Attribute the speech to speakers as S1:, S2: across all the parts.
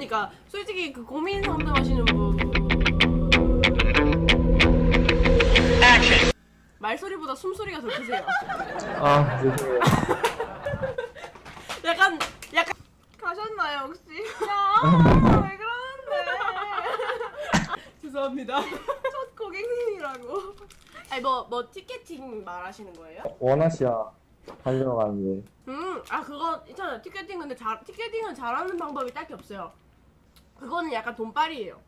S1: 그러니까 솔직히 그 고민 상담하시는 분 말소리보다 숨소리가 더 크세요.
S2: 아, 죄송해요.
S1: 약간
S3: 가셨나요 혹시? 야, 왜 그러는데?
S1: 죄송합니다.
S3: 첫 고객님이라고.
S1: 아니 뭐 티켓팅 말하시는 거예요?
S2: 원아시아 하려고 하는데.
S1: 아 그거 있잖아요. 티켓팅 근데 티켓팅은 잘하는 방법이 딱히 없어요. 그거는 약간 돈빨이에요.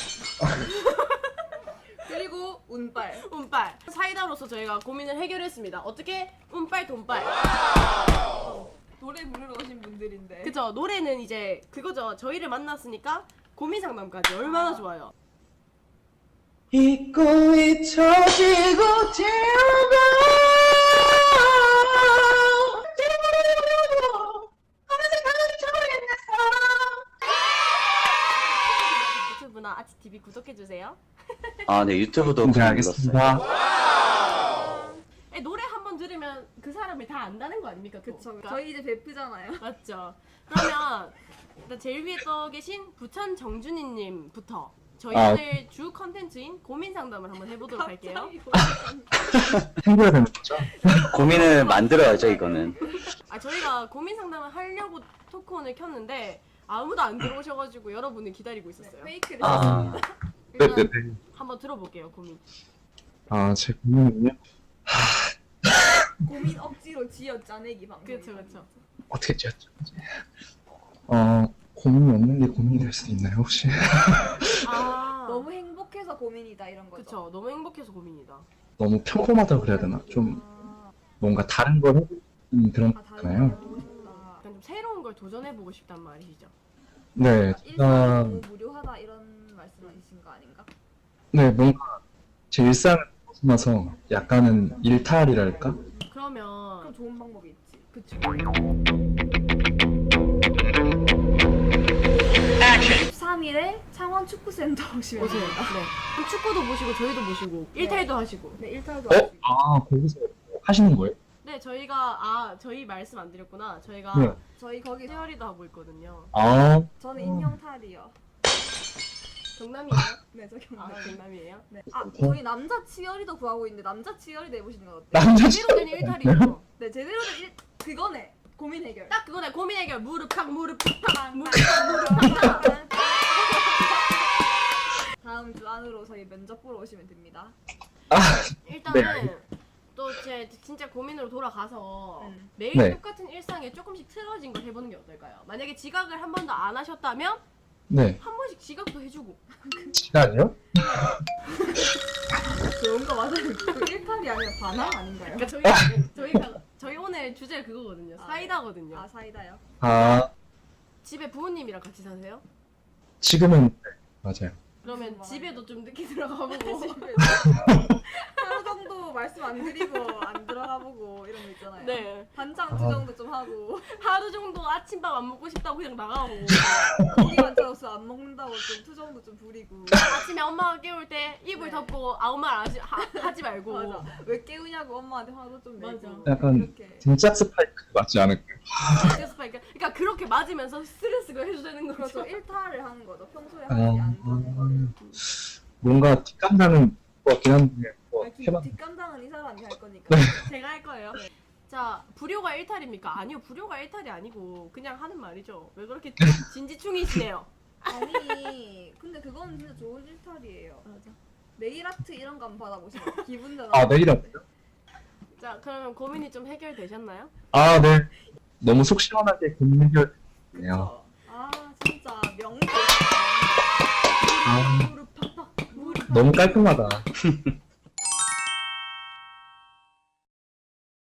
S3: 그리고 운빨.
S1: 운빨. 사이다로서 저희가 고민을 해결했습니다. 어떻게? 운빨, 돈빨.
S3: 노래 부르러 오신 분들인데.
S1: 그죠? 노래는 이제 그거죠. 저희를 만났으니까 고민 상담까지 얼마나 좋아요.
S2: 잊고 잊혀지고 지우고
S1: 유튜브나 아치TV 구독해주세요.
S4: 아, 네, 유튜브도
S2: 네,
S4: 눌렀어요.
S2: 알겠습니다.
S1: 노래 한번 들으면 그 사람이 다 안다는 거 아닙니까? 또?
S3: 그쵸. 저희 이제 베프잖아요.
S1: 맞죠. 그러면 일단 제일 위에 떠 계신 부천 정준희님부터 저희들 주 컨텐츠인 고민 상담을 한번 해보도록 할게요.
S2: 챙겨야 되는 거죠?
S4: 고민을 만들어야죠, 이거는.
S1: 저희가 고민 상담을 하려고 토크온을 켰는데 아무도 안 들어오셔가지고 여러분을 기다리고 있었어요.
S3: 페이크를
S4: 아.
S3: 했습니다.
S1: 일단
S2: 네네네.
S1: 한번 들어볼게요, 고민.
S2: 아, 제 고민은요?
S3: 고민 억지로 지어 짜내기 방법.
S1: 그쵸, 그쵸.
S2: 어떻게 지었죠? 고민이 없는 게 고민이 될 수도 있나요, 혹시?
S3: 너무 행복해서 고민이다 이런 거죠.
S1: 그쵸. 너무 행복해서 고민이다.
S2: 너무 평범하다 그래야 되나? 좀 뭔가 다른 걸 해보는 그런
S3: 다른
S2: 거잖아요.
S3: 걸 보고 싶다.
S1: 약간 좀 새로운 걸 도전해보고 싶단 말이시죠.
S2: 네,
S3: 일상이
S2: 제가
S3: 너무 무료하다 이런 말씀이신 거 아닌가?
S2: 네, 뭔가 제 일상을 벗어나서 약간은 일탈이랄까?
S1: 그러면
S3: 그럼 좋은 방법이 있지.
S1: 그쵸.
S3: 13일에 창원 축구센터 오시면
S1: 오세요.
S3: 됩니다.
S1: 네. 그럼 축구도 보시고 저희도 보시고 일탈도 하시고.
S3: 네, 일탈도 하시고.
S2: 거기서 하시는 거예요?
S1: 네, 저희가 저희 말씀 안 드렸구나. 저희가
S2: 네.
S3: 저희 거기
S1: 세월이도 하고 있거든요.
S3: 저는 인형탈이요.
S1: 경남이에요?
S3: 네, 저
S1: 아,
S3: 경남.
S1: 경남이에요?
S3: 네. 저희 남자 치어리더 구하고 있는데 남자 치어리더 해보시는 건 어때요?
S2: 남자
S1: 제대로 된 일탈이죠.
S3: 네, 제대로 된 그거네. 고민 해결.
S1: 딱 그거네. 고민 해결. 무릎 팍 무릎 팍 무릎
S3: 다음 주 안으로 저희 면접 보러 오시면 됩니다.
S1: 일단은 또 제 진짜 고민으로 돌아가서 매일
S2: 네.
S1: 똑같은 일상에 조금씩 틀어진 걸 해보는 게 어떨까요? 만약에 지각을 한 번도 안 하셨다면
S2: 네.
S1: 한 번씩 지각도 해주고.
S2: 시간이요?
S3: 좋은 거 맞아요. 그 일탈이 아니라 반항 아닌가요?
S1: 그러니까 저희 오늘 주제가 그거거든요. 사이다거든요.
S3: 아, 사이다요?
S1: 집에 부모님이랑 같이 사세요?
S2: 지금은 네, 맞아요.
S1: 그러면
S3: 무슨
S1: 집에도 좀 늦게 들어가보고.
S3: 하루 정도 말씀 안 드리고 안 들어가 보고 이런 거 있잖아요.
S1: 네.
S3: 반장 투정도 좀 하고
S1: 하루 정도 아침밥 안 먹고 싶다고 그냥 나가고.
S3: 고기 반찬 없어 안 먹는다고 좀 투정도 좀 부리고.
S1: 아침에 엄마가 깨울 때 이불
S3: 네.
S1: 덮고 아무 말 하지 말고.
S3: 맞아. 왜 깨우냐고 엄마한테 화도 좀 내고.
S1: 맞아.
S2: 약간
S3: 이렇게.
S2: 진짜 스파이크 맞지 않을까요?
S1: 그러니까 그렇게 맞으면서 스트레스가 해소되는 거죠.
S3: 그렇죠. 일탈을 하는 거죠. 평소에
S2: 아,
S3: 하지 않던 거.
S2: 뭔가 뒷감당은 것 같긴 한데 뭐 해봤.
S3: 뒷감당은 이 사람이 할 거니까.
S1: 제가 할 거예요. 자, 불효가 일탈입니까? 아니요, 불효가 일탈이 아니고 그냥 하는 말이죠. 왜 그렇게 진지충이시네요?
S3: 아니 근데 그건 진짜 좋은 일탈이에요.
S1: 맞아.
S3: 네일 아트 이런 거 한번 받아보시면 기분 전환.
S2: 아, 내일 아프요?
S1: 자, 그러면 고민이 좀 해결되셨나요?
S2: 아, 네. 너무 속 시원하게 고민 해결되네요.
S3: 그쵸? 아 진짜 명곡.
S2: 아,
S3: 무릎 팍팍 무릎
S2: 너무 깔끔하다.